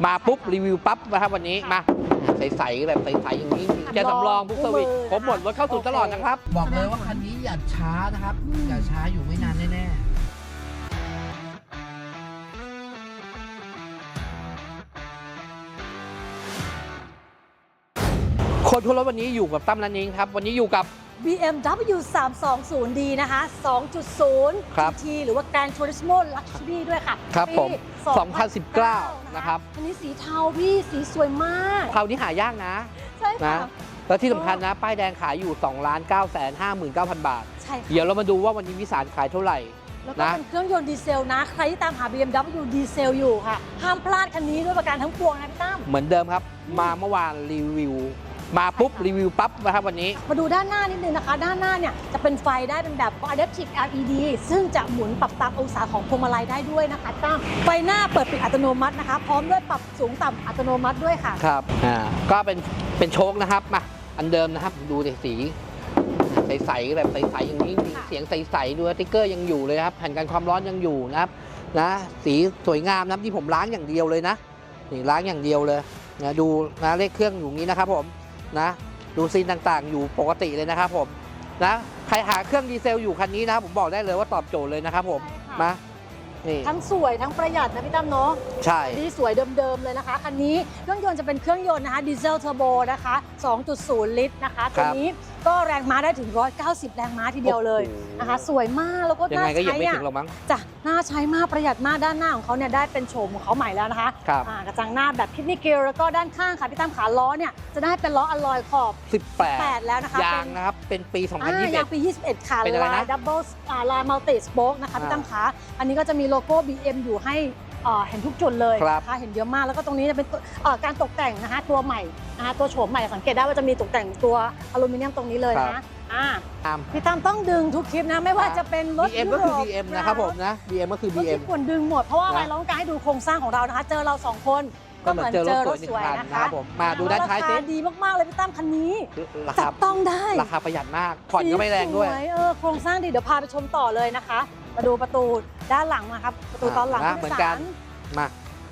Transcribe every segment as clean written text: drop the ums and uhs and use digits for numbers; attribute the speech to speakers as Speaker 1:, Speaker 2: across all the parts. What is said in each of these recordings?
Speaker 1: มาปุ๊บรีวิวปั๊บนะครับวันนี้มาใสๆแบบใสๆอย่างนี้จะสำรองทุกสวิตครบหมดรถเข้าสู่ตลอดนะครับบอกเลยว่าคันนี้อย่าช้านะครับอย่าช้าอยู่ไม่นานแน่ๆคนทั่วโลกวันนี้อยู่กับตั้มนันนิงครับวันนี้อยู่กับ
Speaker 2: BMW 320D นะคะ 2.0
Speaker 1: ครับ
Speaker 2: GT หรือว่า Gran Turismo Luxury ด้วยค่ะ
Speaker 1: ครับผม
Speaker 2: ปี
Speaker 1: 2019 นะครับ
Speaker 2: อันนี้สีเทาพี่สีสวยมาก
Speaker 1: คราวนี้หายากนะ
Speaker 2: ใช่ค่ะ
Speaker 1: นะแล้วที่สำคัญนะป้ายแดงขายอยู่ 2,959,000 บาท
Speaker 2: ใช่ค่ะ
Speaker 1: เดี๋ยวเรามาดูว่าวันนี้วิสารขายเท่าไหร่
Speaker 2: แล้วก็
Speaker 1: นะ
Speaker 2: เป็นเครื่องยนต์ดีเซลนะ ใครที่ตามหา BMW ดีเซลอยู่ค่ะ ห้ามพลาดคันนี้ด้วยประการทั้งปวงนะพี่ตั้ม
Speaker 1: เหมือนเดิมครับ มาเมื่อวานรีวิว มาปุ๊บรีวิวปั๊บนะครับวันนี้
Speaker 2: มาดูด้านหน้านิดนึงนะคะ ด้านหน้าเนี่ยจะเป็นไฟได้เป็นแบบ Adaptive LED ซึ่งจะหมุนปรับตามองศาของพวงมาลัยได้ด้วยนะคะตั้มไฟหน้าเปิดปิดอัตโนมัตินะคะ พร้อมด้วยปรับสูงต่ำอัตโนมัติด้วยค่ะ
Speaker 1: ครับก็เป็นโชคนะครับมาอันเดิมนะครับดูดิสีใสๆแบบใสๆอย่างนี้เสียงใสๆดูสติ๊กเกอร์ยังอยู่เลยครับแผ่นกันความร้อนยังอยู่นะครับนะสีสวยงามนะที่ผมล้างอย่างเดียวเลยนะนี่ล้างอย่างเดียวเลยนะดูนะเลขเครื่องอยู่นี้นะครับผมนะดูซีนต่างๆอยู่ปกติเลยนะครับผมนะใครหาเครื่องดีเซลอยู่คันนี้นะผมบอกได้เลยว่าตอบโจทย์เลยนะครับผม
Speaker 2: ใช่ค่ะ
Speaker 1: มานี่
Speaker 2: ทั้งสวยทั้งประหยัดนะพี่ตั้มเนาะ
Speaker 1: ใช่
Speaker 2: ที่สวยเดิมๆเลยนะคะคันนี้เครื่องยนต์จะเป็นเครื่องยนต์นะคะดีเซลเทอร์โบนะคะ 2.0 ลิตรนะคะตัวนี้ก็แรงม้าได้ถึง 190 แรงม้าทีเดียวเลยนะคะสวยมากแล้วก็
Speaker 1: ยัง
Speaker 2: น่า
Speaker 1: ไงก็ยัง
Speaker 2: ใช้
Speaker 1: ไม่
Speaker 2: อ่ะ
Speaker 1: ถึงหรอกมั้ง
Speaker 2: จ้ะน่าใช้มากประหยัดมากด้านหน้าของเขาเนี่ยได้เป็นโฉมของเขาใหม่แล้วนะคะ
Speaker 1: ครับ
Speaker 2: กระจังหน้าแบบคิดนิเกลแล้วก็ด้านข้างค่ะพี่ตั้มขาล้อเนี่ยจะได้เป็นล้ออลลอยขอบ
Speaker 1: 18
Speaker 2: แล้วนะคะ
Speaker 1: ยางนะครับเป็นปี
Speaker 2: ยาง
Speaker 1: 2021
Speaker 2: ปี 21 ค่ะ
Speaker 1: เป็นอะไรนะ
Speaker 2: ลายดับเบิลลายมัลติสโป๊กนะคะพี่ตั้มขาอันนี้ก็จะมีโลโก้ BM อยู่ให้เห็นทุกจุดเลย
Speaker 1: ครับ
Speaker 2: นะคะเห็นเยอะมากแล้วก็ตรงนี้จะเป็นการตกแต่งนะคะตัวใหม่นะคะตัวโฉมใหม่สังเกตได้ว่าจะมีตกแต่งตัวอลูมิเนียมตรงนี้เลยนะพี่ตั้มต้องดึงทุกคลิปนะไม่ว่าจะเป็นรถ
Speaker 1: BM ก็คือ BM นะครับผมนะ BM ก็คือ
Speaker 2: รถ
Speaker 1: BM
Speaker 2: ที่ควรดึงหมดเพราะว่าอะไรเราต้องการให้ดูโครงสร้างของเรานะคะเจอเราสองคนก็เหมือนเจอรถสวยนะคะ
Speaker 1: ผมมาดูด้านท้าย
Speaker 2: รา
Speaker 1: สิ
Speaker 2: คาดีมากๆเลยพี่ตั้มคันนี้
Speaker 1: รา
Speaker 2: จั
Speaker 1: คา
Speaker 2: บต้องได้
Speaker 1: ราคาประหยัดมากผ่อนก็ไม่แรงด้วย
Speaker 2: สโครงสร้างดีเดี๋ยวพาไปชมต่อเลยนะคะมาดูประตูด้านหลังนะครับประตูตอนหลัง
Speaker 1: เหมือนกันมาก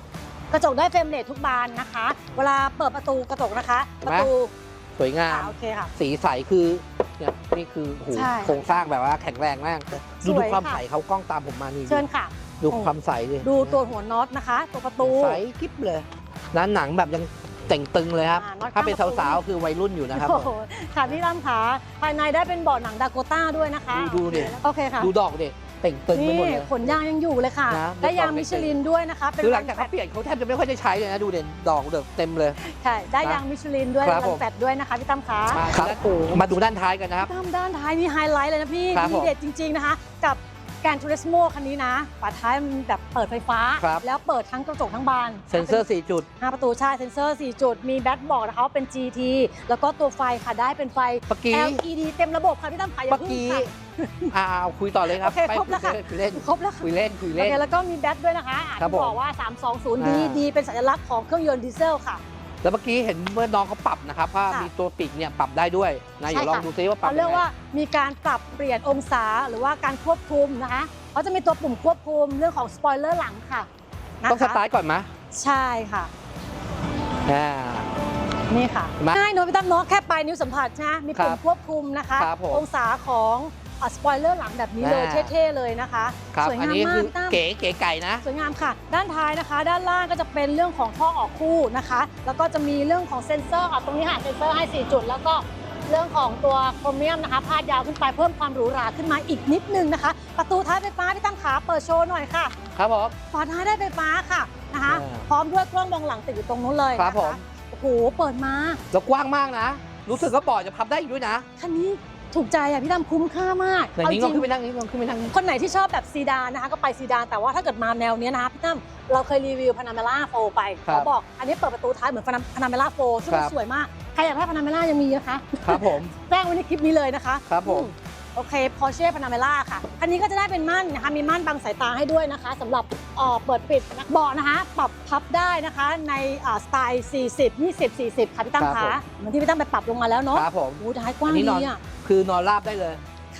Speaker 2: ระจกได้เฟรมเรททุกบานนะคะ เวลาเปิดประตูกระจกนะคะ ประตู
Speaker 1: สวยงาม
Speaker 2: โอเคค่ะ
Speaker 1: สีใสคือเนี่ยนี่คือโอ้โห
Speaker 2: ใช่
Speaker 1: โครงสร้างแบบว่าแข็งแรงมากดู
Speaker 2: สวย
Speaker 1: ความ
Speaker 2: ค่ะ
Speaker 1: ใสเขากล้องตามผมมานี่
Speaker 2: เชิญค่ะ
Speaker 1: ดูความใสเลย
Speaker 2: ดูตัวหัวน็อตนะคะ ตัวประตู
Speaker 1: ใสกิ๊บเลยนั้นหนังแบบยังแต่งตึงเลยครับ
Speaker 2: น็อต
Speaker 1: ถ้าเป็น
Speaker 2: ข้างประตู
Speaker 1: สาวๆคือวัยรุ่นอยู่นะครับ
Speaker 2: โอ้โหค่ะพี่ตั้มขาภายในได้เป็นเบาะหนังดาโกต้าด้วยนะคะ
Speaker 1: ดูดิ
Speaker 2: โอเคค่ะ
Speaker 1: ดูดอกดิแต่งตึงไป
Speaker 2: นี่
Speaker 1: หมดเลย
Speaker 2: ขนยางยังอยู่เลยค่ะ
Speaker 1: นะ
Speaker 2: ได้ยางมิชลินด้วยนะคะเป็น
Speaker 1: คือหลังจากเขาเปลี่ยนเขาแทบจะไม่ค่อยได้ใช้เลยนะดูเด่นดอกเดือกเต็มเลย
Speaker 2: ใช่ได้ยางมิชลินด้วย
Speaker 1: ครับ
Speaker 2: รั
Speaker 1: ผ
Speaker 2: น
Speaker 1: ม
Speaker 2: แฟตด้วยนะคะพี่ตั้มขา
Speaker 1: ครับมาดูด้านท้ายกันนะครับ
Speaker 2: พี่ตั้มด้านท้ายนี่ไฮไลท์เลยนะพี่
Speaker 1: ครับ
Speaker 2: ดีเด็ดจริงๆนะคะ กับแกรนทูริสโมคันนี้นะฝาท้ายมันแบบเปิดไฟฟ้า
Speaker 1: ครับ
Speaker 2: แล้วเปิดทั้งกระจกทั้งบาน
Speaker 1: เซ็นเซอร์ 4 จุด
Speaker 2: 5 ประตูใช่เซ็นเซอร์ 4 จุด มีแบตบอกนะคะว่าเป็น GT แล้วก็ตัวไฟค่ะได้เป็นไฟ
Speaker 1: เมื่อกี้
Speaker 2: LED เต็มระบบค่ะพี่ตั้มขาอย่า
Speaker 1: เมื่อ
Speaker 2: เพิ่ง
Speaker 1: กี้
Speaker 2: ค่ะ
Speaker 1: เอาคุยต่อเลยครับ
Speaker 2: โอเค
Speaker 1: ไป
Speaker 2: ครบแล้วค่ะ
Speaker 1: คุยเล่น
Speaker 2: ครบแล้วค่ะ
Speaker 1: คุยเล่น
Speaker 2: โอเคแล้วก็มีแบตด้วยนะคะ
Speaker 1: ครับ
Speaker 2: ที่บอก
Speaker 1: ผม
Speaker 2: ว่า 320D ดีเป็นสัญลักษณ์ของเครื่องยนต์ดีเซลค่ะ
Speaker 1: แล้วเมื่อกี้เห็นเมื่อน้องเขาปรับนะครับว่า
Speaker 2: ค่ะ
Speaker 1: มีตัวปีกเนี่ยปรับได้ด้วยนะเดี๋ยวลองดูซิว่าปรับ
Speaker 2: เขาเรียก
Speaker 1: ยังไง
Speaker 2: ว่ามีการปรับเปลี่ยนองศาหรือว่าการควบคุมนะคะเขาจะมีตัวปุ่มควบคุมเรื่องของสปอยเลอร์หลังค่ะนะคะ
Speaker 1: ต้องสตาร์ทก่อนไหม
Speaker 2: ใช่ค่ะ
Speaker 1: อ่า
Speaker 2: นี่ค่ะ
Speaker 1: เห็นไหม
Speaker 2: ง่ายเนอะพี่ตั้มเนาะแค่ปลายนิ้วสัมผัสใช่ไหมมีปุ่
Speaker 1: ค
Speaker 2: ม
Speaker 1: รับ
Speaker 2: ควบคุมนะคะ
Speaker 1: ครับผม
Speaker 2: องศาของสปอยเลอร์หลังแบบนี้เลย
Speaker 1: อ่า
Speaker 2: เท่ๆเลยนะคะ
Speaker 1: ครับ
Speaker 2: สวย
Speaker 1: อัน
Speaker 2: งาม
Speaker 1: นี้
Speaker 2: มา
Speaker 1: คื
Speaker 2: ก
Speaker 1: อ
Speaker 2: พี่ตั้ม
Speaker 1: เก๋ไก่นะ
Speaker 2: สวยงามค่ะ ด้านท้ายนะคะ ด้านล่างก็จะเป็นเรื่องของท่อออกคู่นะคะ แล้วก็จะมีเรื่องของเซ็นเซอร์ตรงนี้ค่ะเซ็นเซอร์ให้ 4 จุด แล้วก็เรื่องของตัวโครเมียมนะคะพาดยาวขึ้นไปเพิ่มความหรูหราขึ้นมาอีกนิดนึงนะคะ ประตูท้ายไฟฟ้าพี่ตั้มขาเปิดโชว์หน่อยค่ะ
Speaker 1: ครับผม
Speaker 2: ฝาท้ายได้ไฟฟ้าค่ะนะคะ
Speaker 1: อ่า
Speaker 2: พร้อมด้วยกล้องมองหลังติดอยู่ตรงนู้นเลย
Speaker 1: ครั
Speaker 2: นะ
Speaker 1: บผ
Speaker 2: คะ
Speaker 1: ม
Speaker 2: โอ้โหเปิดมา
Speaker 1: แล้วกว้างมากนะ รู้สึกว่าเบาะจะพับได้อีกด้วยนะ
Speaker 2: คันนี้ถูกใจอ่ะพี่ตั้มคุ้มค่ามาก
Speaker 1: ไหนนี้ลองขึ้นไปนั่งนี้ลองขึ้นไปนั่งนี้
Speaker 2: คนไหนที่ชอบแบบซีดานนะคะก็ไปซีดานแต่ว่าถ้าเกิดมาแนวเนี้ยนะคะพี่ตั้มเราเคยรีวิวพานาเมล่าโฟไป
Speaker 1: ครับ
Speaker 2: เขาบอกอันนี้เปิดประตูท้ายเหมือนพานาเมล่าโฟซึ่งมัน
Speaker 1: ครับ
Speaker 2: สวยมากใครอยากได้พานาเมล่ายังมีนะคะ
Speaker 1: ครับผม
Speaker 2: แจ้งไว้ในคลิปนี้เลยนะคะ
Speaker 1: ครับผม
Speaker 2: โอเค Porsche Panamera ค่ะคันนี้ก็จะได้เป็นม่านนะคะมีม่านบังสายตาให้ด้วยนะคะสำหรับเปิดปิดนะเบาะนะคะปรับพับได้นะคะในสไตล์ 40 20 40 ค่ะพี่ตั้ม
Speaker 1: ครั
Speaker 2: คะ
Speaker 1: บผม
Speaker 2: เหมือนที่พี่ตั้มไปปรับลงมาแล้วเนาะ
Speaker 1: ครับผม
Speaker 2: โอ้ท้ายกว้าง
Speaker 1: อันนี้น
Speaker 2: ดี
Speaker 1: อน
Speaker 2: อ่ะ
Speaker 1: คือนอนราบได้เลย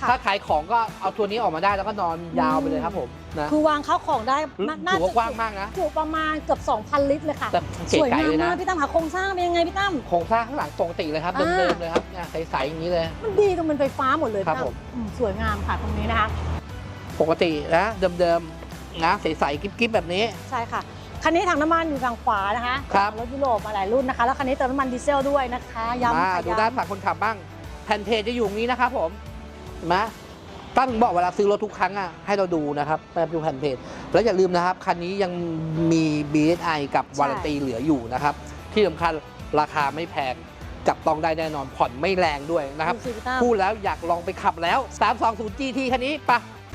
Speaker 2: ค่ะ
Speaker 1: ถ้าขายของก็เอาตัวนี้ออกมาได้แล้วก็นอนยาวไปเลยครับผมนะ
Speaker 2: คือวางข้าวของได้น่า
Speaker 1: ถือว่า
Speaker 2: จะ
Speaker 1: กว้างมากนะ
Speaker 2: จุประมาณเกือบ 2,000 ลิตรเลยค่ะ
Speaker 1: แต่
Speaker 2: ส
Speaker 1: เก๋
Speaker 2: วย
Speaker 1: ไก่
Speaker 2: งาม
Speaker 1: เลยนะ
Speaker 2: มากพี่ตั้มค่ะโครงสร้างเป็นยังไงพี่ตั้ม
Speaker 1: โครงสร้างข้างหลังปกติเลยครับ
Speaker 2: อ่า
Speaker 1: เดิมๆเลยครับเนี่ยใสๆอย่างนี้เลย
Speaker 2: มันดีตรงเป็นไฟฟ้าหมดเลย
Speaker 1: ครับ
Speaker 2: พี่ตั้
Speaker 1: ผม
Speaker 2: สวยงามค่ะตรงนี้นะคะ
Speaker 1: ปกตินะเดิมๆนะใสๆกิ๊บๆแบบนี้
Speaker 2: ใช่ค่ะคันนี้ถังน้ำมันอยู่ทางขวานะคะ
Speaker 1: ครับ
Speaker 2: รถยุโรปมาหลายรุ่นนะคะ แล้วคันนี้เติมน้ำมันดีเซลด้วยนะคะย้ำ
Speaker 1: มา
Speaker 2: ค่ะ
Speaker 1: ดูด้าน
Speaker 2: ย้ำ
Speaker 1: ฝั่งคนขับบ้างแผ่นเพจจะอยู่ตรงนี้นะครับผมเห็นไหมตั้งถึงบอกเวลาซื้อรถทุกครั้งอ่ะให้เราดูนะครับแบบดูแผ่นเพจแล้วอย่าลืมนะครับคันนี้ยังมี BSI กับวารันตีเหลืออยู่นะครับที่สำคัญราคาไม่แพงจับต้องได้แน่นอนผ่อนไม่แรงด้วยนะครับ
Speaker 2: ดูสิพี่ตั้ม
Speaker 1: พูดแล้วอยากลองไปขับแล้ว 320 GT คันนี้ปะ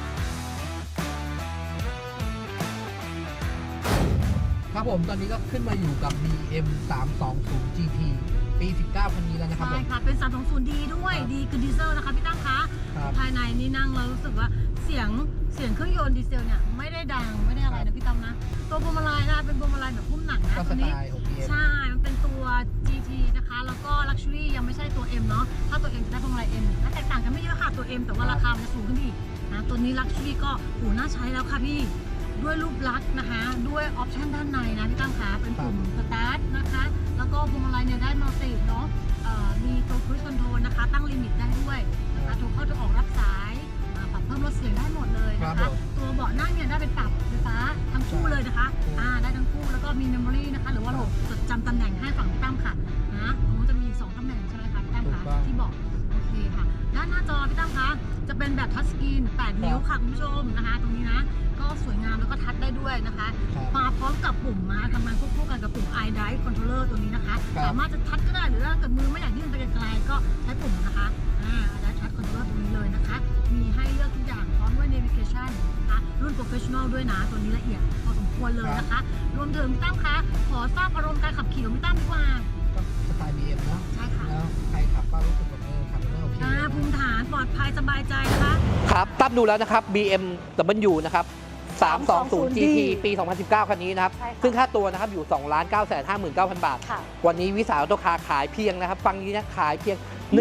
Speaker 1: ครับผมตอนนี้ก็ขึ้นมาอยู่กับ BM 320 GT ปี 19 คันนี้แล้วนะครับ
Speaker 2: ใช่
Speaker 1: ผม
Speaker 2: ค่ะ เป็น 320D ด้วย
Speaker 1: ครับ
Speaker 2: ดีคือดีเซลนะคะพี่ตั้มคะ
Speaker 1: ครับ
Speaker 2: ภายในนี่นั่งแล้วรู้สึกว่าเสียงเครื่องยนต์ดีเซลเนี่ยไม่ได้ดังไม่ได้อะไรนะพี่ตั้มนะ ตัวพวงมาลัยนะคะเป็นพวงมาลัยแบบพุ่มหนังนะ
Speaker 1: ก็ส
Speaker 2: ตัว
Speaker 1: ไต
Speaker 2: นี้
Speaker 1: ล์ของ BM
Speaker 2: ใช่ มันเป็นตัว GT นะคะ แล้วก็ Luxury ยังไม่ใช่ตัว M เนาะ ถ้าตัว M จะได้พวงมาลัย M และแตกต่างกันไม่เยอะค่ะ ตัว M แต่ว่าราคามันจะสูงขึ้นอีกนะ ตัวนี้ Luxury ก็โหน่าใช้แล้วค่ะพี่ ด้วยรูปลักษณ์นะคะ ด้วยออปชันด้านในนะพี่ตั้มคะเป็นปุ่มสตาร์ทนะคะ แล้วก็พวงมาลัยเนี่ยได้มัลติเนาะมีตัว Cruise Control นะคะ ตั้งลิมิตได้ด้วยนะคะโทรเข้าโทรออกรับสายปรับเพิ่มลดเสียงได้หมดเลยนะ
Speaker 1: ครั
Speaker 2: คะ
Speaker 1: บผม
Speaker 2: ตัวเบาะนั่งเนี่ยได้เป็นปรับไฟฟ้าทั้งคู่เลยนะคะได้ทั้งคู่แล้วก็มีเมมโมรี่นะคะหรือว่าระบบจดจำตำแหน่งให้ฝั่งพี่ตั้มค่ะนะตรงนู้นจะมี2ตำแหน่งใช่ไหมคะพี่ตั้มคะที่บอกโอเคค่ะด้านหน้าจอพี่ตั้มคะจะเป็นแบบทัชสกรีน8 นิ้วค่ะคุณผู้ชมนะคะ ตรงนี้นะก็สวยงามแล้วก็ทัชได้ด้วยนะคะ
Speaker 1: ครับ
Speaker 2: มาพร้อมกับปุ่มมาทำงานควบคู่กันกับปุ่ม iDrive Controller ตัวนี้นะคะ
Speaker 1: ครับ
Speaker 2: สามารถจะทัชก็ได้หรือถ้าเกิดมือไม่อยากยื่นไปไกลๆก็ใช้ปุ่มนะคะiDrive Touch Controller ตรงนี้เลยนะคะ มีให้เลือกทุกอย่างพร้อมด้วย Navigation นะคะรุ่น Professional ด้วยนะ ตัวนี้ละเอียดพอสมควรเลยนะคะ รวมถึงพี่ตั้มคะขอทราบอารมณ์การขับขี่ของพี่ตั้มดีกว่า
Speaker 1: ก็สไตล์ BM เนอะ
Speaker 2: ใช่ค่ะ
Speaker 1: แล้วใครขับก็รู้สึกแบบขับแล้วโอเค
Speaker 2: ภูมิฐานปลอดภัยสบายใจนะคะ
Speaker 1: ครับตั้มดูแล้วนะครับ BMW นะครับ 320 GT ปี 2019 คันนี้นะครับ
Speaker 2: ใช่ค่ะ
Speaker 1: ซึ่งค่าตัวนะครับอยู่ 2,959,000 บาท
Speaker 2: ค่ะ
Speaker 1: วันนี้วิสาหกิจคาขายเพียงนะครับ ฟังนี้นะขายเพียง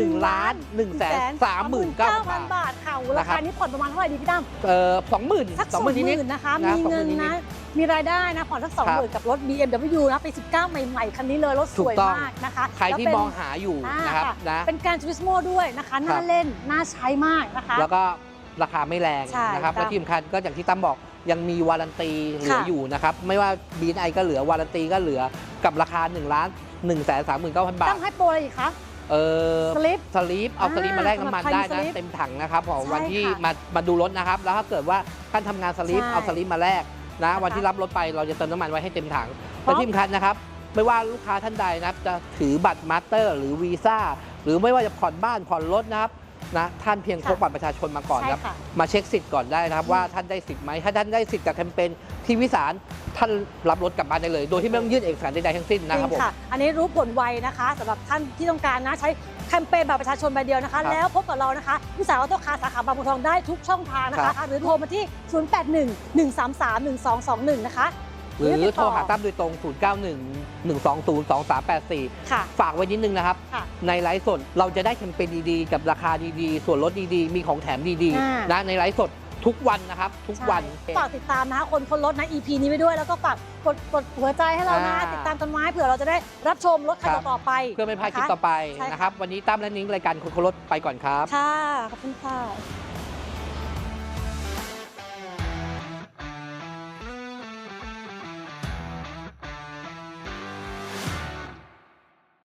Speaker 1: 1,139,000 บาท
Speaker 2: ค่ะราคานี้ผ่อนประมาณเท่าไหร่ดีพี่ตั้ม
Speaker 1: 20,000
Speaker 2: สัก
Speaker 1: 20,000 นิด
Speaker 2: 20,000นะคะ
Speaker 1: นะ
Speaker 2: มีเงิน
Speaker 1: 20,000
Speaker 2: นะ มีรายได้นะผ่อนสัก
Speaker 1: ครับ
Speaker 2: 20,000กับรถ BMW นะปี 19 ใหม่ๆ คันนี้เลยรถสวย
Speaker 1: ถูกต้อง
Speaker 2: มากนะคะ
Speaker 1: ใครที่
Speaker 2: แล้วเป็น
Speaker 1: มองหาอยู่นะครับ
Speaker 2: ค่ะ
Speaker 1: นะ
Speaker 2: เป็นการทูริสโมด้วยนะคะ น่าเล่น น่าใช้มากนะคะ
Speaker 1: แล้วก็ราคาไม่แรง
Speaker 2: ใช่
Speaker 1: นะครับ
Speaker 2: ครับ
Speaker 1: และที่สำคัญก็อย่างที่ตั้มบอกยังมีวารันตีเหลือ
Speaker 2: ค่ะ
Speaker 1: อยู่นะครับ ไม่ว่า BNI ก็เหลือวารันตีก็เหลือกับราคา 1,139,000 บาท
Speaker 2: ตั้มให้โปรอะไรอีกคะ สลิป
Speaker 1: สลีปเอาสลีปมาแลกน้ำมันได้
Speaker 2: สำหรับใครมีส
Speaker 1: นะ
Speaker 2: ลิป
Speaker 1: เต็มถังนะครับของ
Speaker 2: ใช่
Speaker 1: วันที่
Speaker 2: ค่ะ
Speaker 1: มาดูรถนะครับ แล้วถ้าเกิดว่าท่านทำงานสลีป
Speaker 2: ใช่
Speaker 1: เอาสลีปมาแลกนะ
Speaker 2: นะคะ
Speaker 1: วันที่รับรถไปเราจะเติมน้ำมันไว้ให้เต็มถัง
Speaker 2: พร้อ
Speaker 1: และ
Speaker 2: ม
Speaker 1: ที่สำคัญนะครับ ไม่ว่าลูกค้าท่านใดนะครับจะถือบัตรมาสเตอร์ หรือวีซ่าหรือไม่ว่าจะผ่อนบ้านผ่อนรถนะครับนะท่านเพียงพกบัตรประชาชนมาก่อนครับ
Speaker 2: ใช่ค่ะ
Speaker 1: มาเช็คสิทธิ์ก่อนได้นะครับว่าท่านได้สิทธิ์ไหมถ้าท่านได้สิทธิ์กับแคมเปญที่วิสารท่านรับรถกลับบ้านได้เลย โดยที่ไม่ต้องยื่นเอกสารใดๆทั้งสิ้น
Speaker 2: จ
Speaker 1: นะครับ
Speaker 2: ริ
Speaker 1: ผ
Speaker 2: ง
Speaker 1: ม
Speaker 2: ค่ะ อันนี้รู้ผลไวนะคะสำหรับท่านที่ต้องการนะใช้แคมเปญแบบประชาชนใบเดียวนะคะ
Speaker 1: ครับ
Speaker 2: แล้วพบกับเรานะคะวิสาหกิจคาสาขาบางบัวทองได้ทุกช่องทางนะคะ หรือโทรมาที่ 0811331221 นะคะ
Speaker 1: หรือ
Speaker 2: ติด
Speaker 1: โทร
Speaker 2: ต่อ
Speaker 1: หาตั้มโดยตรง 0911202384
Speaker 2: ค่ะ
Speaker 1: ฝากไว้นิดนึงนะครับ
Speaker 2: ค่ะ
Speaker 1: ในไลฟ์สดเราจะได้แคมเปญดีๆ กับราคาดีๆ ส่วนลดดีๆ มีของแถมดี
Speaker 2: อ่า
Speaker 1: ๆนะในไลฟ์สดทุกวันนะครับ ทุกวัน
Speaker 2: ใช่ฝากติดตามนะคะคนรถนะ EP นี้ไว้ด้วย แล้วก็ฝากกดหัวใจให้เรานะ ติดตามกันไว้เผื่อเราจะได้รับชมรถคัน
Speaker 1: ครับ
Speaker 2: ต่อไป
Speaker 1: เพื่อไม่พลาดคลิป
Speaker 2: นะคะ
Speaker 1: ต่อไป
Speaker 2: ใช่ค่ะ
Speaker 1: นะครับ วันนี้ตั้มและนิ้งรายการคนรถไปก่อนครับ
Speaker 2: ค่ะ ขอบคุณค่ะ